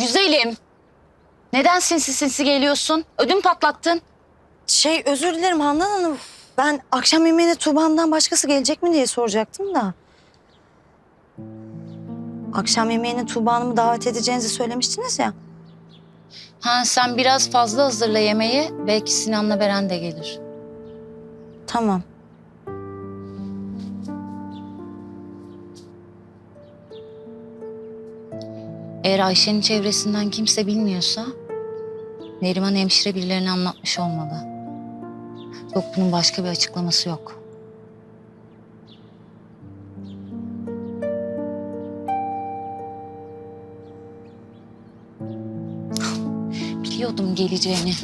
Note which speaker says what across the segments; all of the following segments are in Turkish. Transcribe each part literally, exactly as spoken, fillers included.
Speaker 1: Güzelim. Neden sinsi sinsi geliyorsun? Ödüm patlattın.
Speaker 2: Şey özür dilerim Handan Hanım. Ben akşam yemeğine Tuğba'ndan başkası gelecek mi diye soracaktım da. Akşam yemeğine Tuğba Hanım'ı davet edeceğinizi söylemiştiniz ya.
Speaker 1: Ha, sen biraz fazla hazırla yemeği. Belki Sinan'la Beren de gelir.
Speaker 2: Tamam.
Speaker 1: Eğer Ayşe'nin çevresinden kimse bilmiyorsa... Neriman hemşire birilerine anlatmış olmalı. Yok, bunun başka bir açıklaması yok. Biliyordum geleceğini.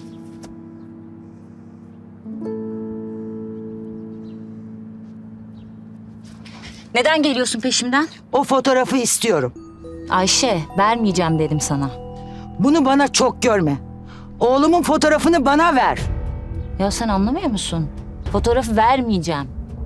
Speaker 1: Neden geliyorsun peşimden?
Speaker 3: O fotoğrafı istiyorum.
Speaker 1: Ayşe, vermeyeceğim dedim sana.
Speaker 3: Bunu bana çok görme. Oğlumun fotoğrafını bana ver.
Speaker 1: Ya sen anlamıyor musun? Fotoğrafı vermeyeceğim.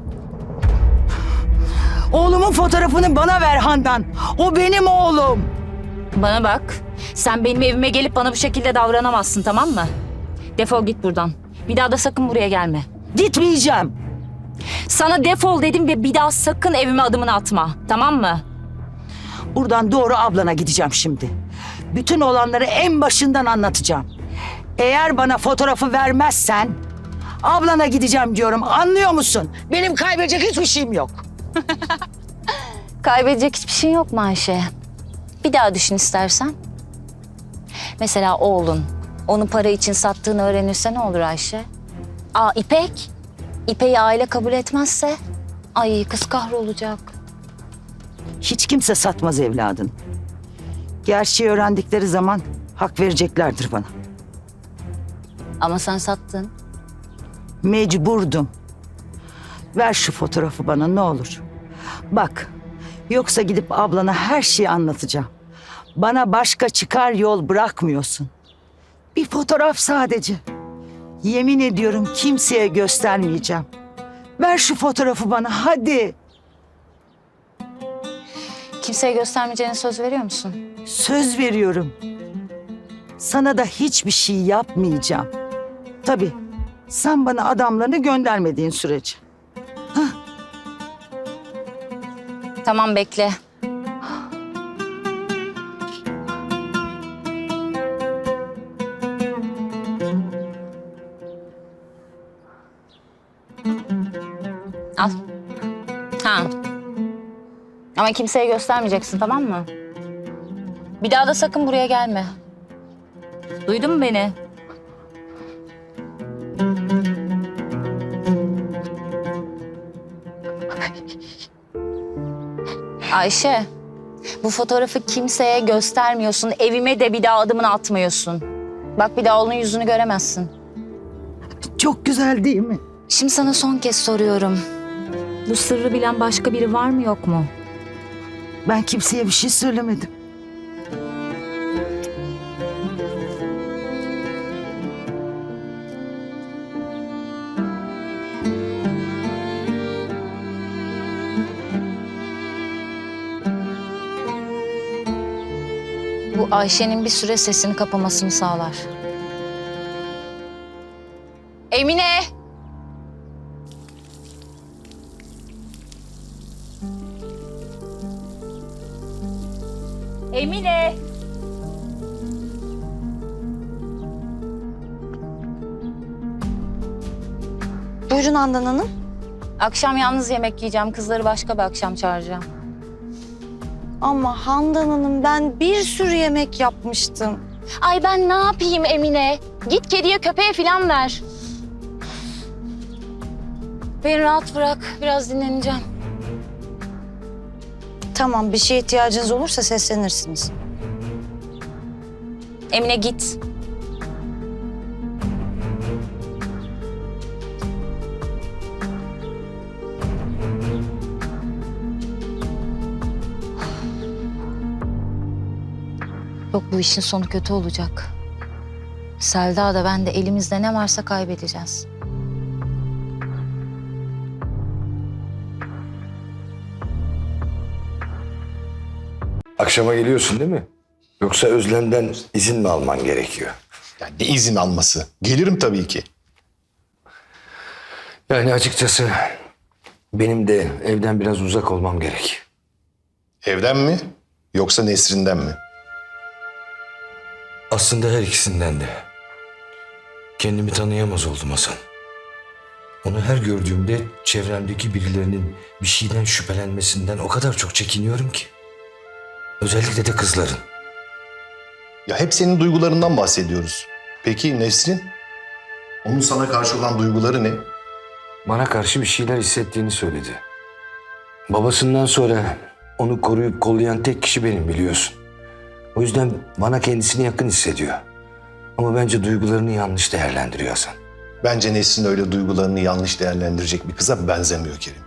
Speaker 3: Oğlumun fotoğrafını bana ver Handan. O benim oğlum.
Speaker 1: Bana bak. Sen benim evime gelip bana bu şekilde davranamazsın, tamam mı? Defol git buradan. Bir daha da sakın buraya gelme.
Speaker 3: Gitmeyeceğim.
Speaker 1: Sana defol dedim ve bir daha sakın evime adımını atma. Tamam mı?
Speaker 3: Buradan doğru ablana gideceğim şimdi. Bütün olanları en başından anlatacağım. Eğer bana fotoğrafı vermezsen ablana gideceğim diyorum. Anlıyor musun? Benim kaybedecek hiçbir şeyim yok.
Speaker 1: Kaybedecek hiçbir şey yok mu Ayşe? Bir daha düşün istersen. Mesela oğlun onu para için sattığını öğrenirse ne olur Ayşe? Aa, İpek. İpek'i aile kabul etmezse? Ay, kız kahrolacak.
Speaker 3: Hiç kimse satmaz evladını. Gerçeği öğrendikleri zaman hak vereceklerdir bana.
Speaker 1: Ama sen sattın.
Speaker 3: Mecburdum. Ver şu fotoğrafı bana ne olur. Bak, yoksa gidip ablana her şeyi anlatacağım. Bana başka çıkar yol bırakmıyorsun. Bir fotoğraf sadece. Yemin ediyorum kimseye göstermeyeceğim. Ver şu fotoğrafı bana hadi.
Speaker 1: Kimseye göstermeyeceğine söz veriyor musun?
Speaker 3: Söz veriyorum. Sana da hiçbir şey yapmayacağım. Tabii sen bana adamlarını göndermediğin sürece.
Speaker 1: Tamam, bekle. Al. Ha. Ama kimseye göstermeyeceksin, tamam mı? Bir daha da sakın buraya gelme. Duydun mu beni? Ayşe, bu fotoğrafı kimseye göstermiyorsun. Evime de bir daha adımını atmıyorsun. Bak, bir daha oğlunun yüzünü göremezsin.
Speaker 3: Çok güzel değil mi?
Speaker 1: Şimdi sana son kez soruyorum. Bu sırrı bilen başka biri var mı yok mu?
Speaker 3: Ben kimseye bir şey söylemedim.
Speaker 1: Bu Ayşe'nin bir süre sesini kapamasını sağlar. Emine! Emine!
Speaker 2: Buyurun Handan Hanım.
Speaker 1: Akşam yalnız yemek yiyeceğim. Kızları başka bir akşam çağıracağım.
Speaker 2: Ama Handan Hanım ben bir sürü yemek yapmıştım.
Speaker 1: Ay, ben ne yapayım Emine? Git kediye köpeğe falan ver. Beni rahat bırak. Biraz dinleneceğim.
Speaker 2: Tamam, bir şeye ihtiyacınız olursa seslenirsiniz.
Speaker 1: Emine, git. Yok, bu işin sonu kötü olacak. Selda da ben de elimizde ne varsa kaybedeceğiz.
Speaker 4: Akşama geliyorsun değil mi? Yoksa Özlem'den izin mi alman gerekiyor?
Speaker 5: Yani ne izin alması? Gelirim tabii ki.
Speaker 4: Yani açıkçası benim de evden biraz uzak olmam gerek.
Speaker 5: Evden mi? Yoksa Nesrin'den mi?
Speaker 4: Aslında her ikisinden de. Kendimi tanıyamaz oldum Hasan. Onu her gördüğümde çevremdeki birilerinin bir şeyden şüphelenmesinden o kadar çok çekiniyorum ki. Özellikle de kızların.
Speaker 5: Ya hep senin duygularından bahsediyoruz. Peki Nesrin? Onun sana karşı olan duyguları ne?
Speaker 4: Bana karşı bir şeyler hissettiğini söyledi. Babasından sonra onu koruyup kollayan tek kişi benim, biliyorsun. O yüzden bana kendisini yakın hissediyor. Ama bence duygularını yanlış değerlendiriyor Hasan.
Speaker 5: Bence Nesrin öyle duygularını yanlış değerlendirecek bir kıza benzemiyor Kerim.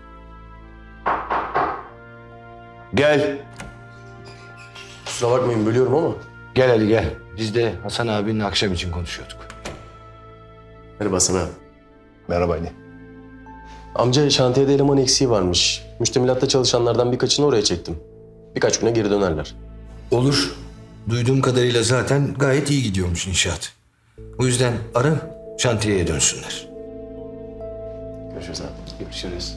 Speaker 4: Gel.
Speaker 6: Kusura bakmayın bölüyorum ama.
Speaker 4: Gel Ali gel. Biz de Hasan abinin akşam için konuşuyorduk.
Speaker 6: Merhaba sana.
Speaker 5: Merhaba Ali.
Speaker 6: Amca şantiyede eleman eksiği varmış. Müştemilatta çalışanlardan birkaçını oraya çektim. Birkaç güne geri dönerler.
Speaker 4: Olur. Duyduğum kadarıyla zaten gayet iyi gidiyormuş inşaat. O yüzden ara, şantiyeye dönsünler.
Speaker 6: Görüşürüz abi. Görüşürüz.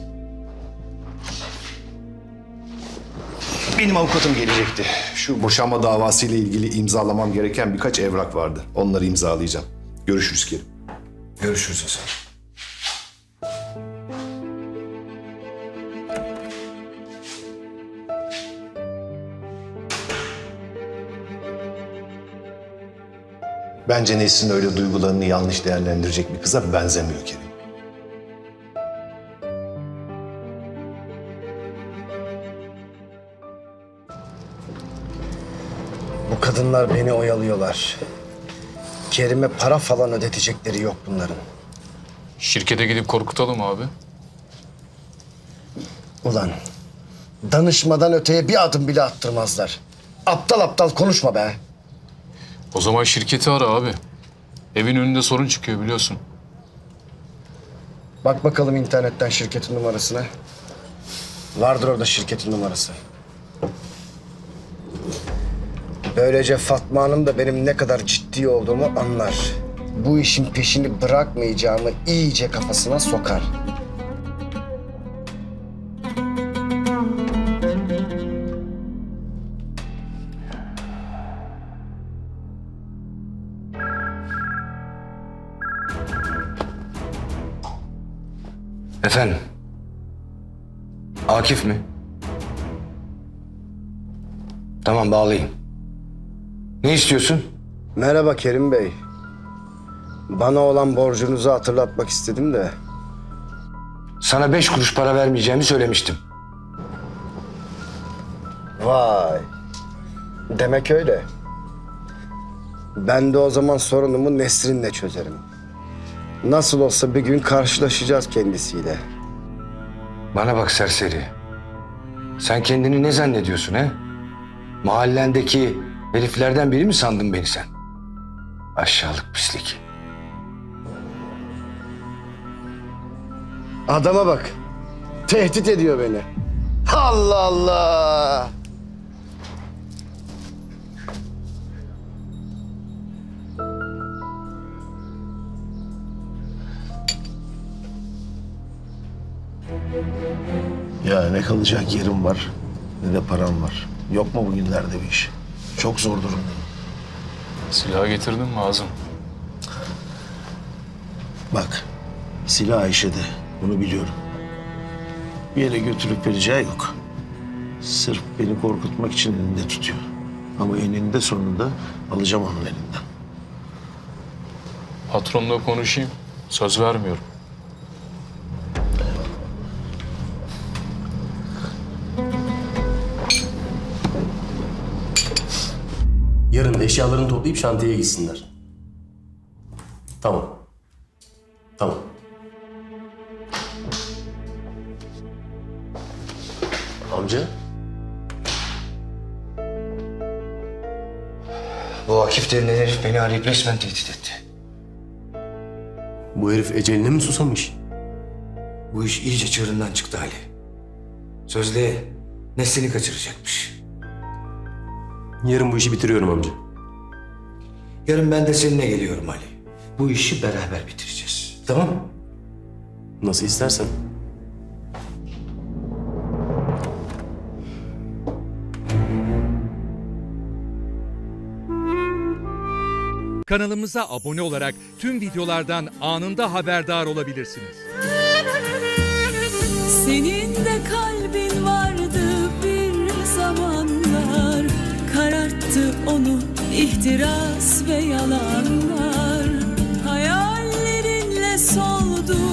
Speaker 5: Benim avukatım gelecekti. Şu boşanma davasıyla ilgili imzalamam gereken birkaç evrak vardı. Onları imzalayacağım. Görüşürüz Kerim.
Speaker 4: Görüşürüz Hasan.
Speaker 5: Bence Nesrin öyle duygularını yanlış değerlendirecek bir kıza benzemiyor Kerim.
Speaker 7: Bu kadınlar beni oyalıyorlar. Kerim'e para falan ödetecekleri yok bunların.
Speaker 8: Şirkete gidip korkutalım abi.
Speaker 7: Ulan danışmadan öteye bir adım bile attırmazlar. Aptal aptal konuşma be.
Speaker 8: O zaman şirketi ara abi. Evin önünde sorun çıkıyor biliyorsun.
Speaker 7: Bak bakalım internetten şirketin numarasına. Vardır orada şirketin numarası. Böylece Fatma Hanım da benim ne kadar ciddi olduğumu anlar. Bu işin peşini bırakmayacağımı iyice kafasına sokar.
Speaker 4: Efendim? Akif mi? Tamam, bağlayayım. Ne istiyorsun?
Speaker 7: Merhaba Kerim Bey. Bana olan borcunuzu hatırlatmak istedim de.
Speaker 4: Sana beş kuruş para vermeyeceğimi söylemiştim.
Speaker 7: Vay. Demek öyle. Ben de o zaman sorunumu Nesrin'le çözerim. Nasıl olsa bir gün karşılaşacağız kendisiyle.
Speaker 4: Bana bak serseri. Sen kendini ne zannediyorsun he? Mahallendeki heriflerden biri mi sandın beni sen? Aşağılık pislik.
Speaker 7: Adama bak. Tehdit ediyor beni. Allah Allah.
Speaker 9: Ya ne kalacak yerim var ne de param var. Yok mu bugünlerde bir iş? Çok zor durumdayım.
Speaker 8: Silah getirdin mi Azım?
Speaker 9: Bak silah Ayşe'de, bunu biliyorum. Bir yere götürüp vereceği yok. Sırf beni korkutmak için elinde tutuyor. Ama eninde sonunda alacağım onun elinden.
Speaker 8: Patronla konuşayım. Söz vermiyorum.
Speaker 6: Yarın da eşyalarını toplayıp şantiyeye gitsinler. Tamam. Tamam. Amca,
Speaker 4: Bu Akif denilen herif beni arayıp resmen tehdit etti.
Speaker 6: bu herif eceline mi susamış?
Speaker 4: Bu iş iyice çığırından çıktı Ali. Sözde Nesrin'i kaçıracakmış.
Speaker 6: Yarın bu işi bitiriyorum amca.
Speaker 4: Yarın ben de seninle geliyorum Ali. Bu işi beraber bitireceğiz. Tamam mı?
Speaker 6: Nasıl istersen.
Speaker 10: Kanalımıza abone olarak tüm videolardan anında haberdar olabilirsiniz.
Speaker 11: Senin de kalbin vardı bir zamanlar, kararttı onu ihtiras ve yalanlar. Hayallerinle soldu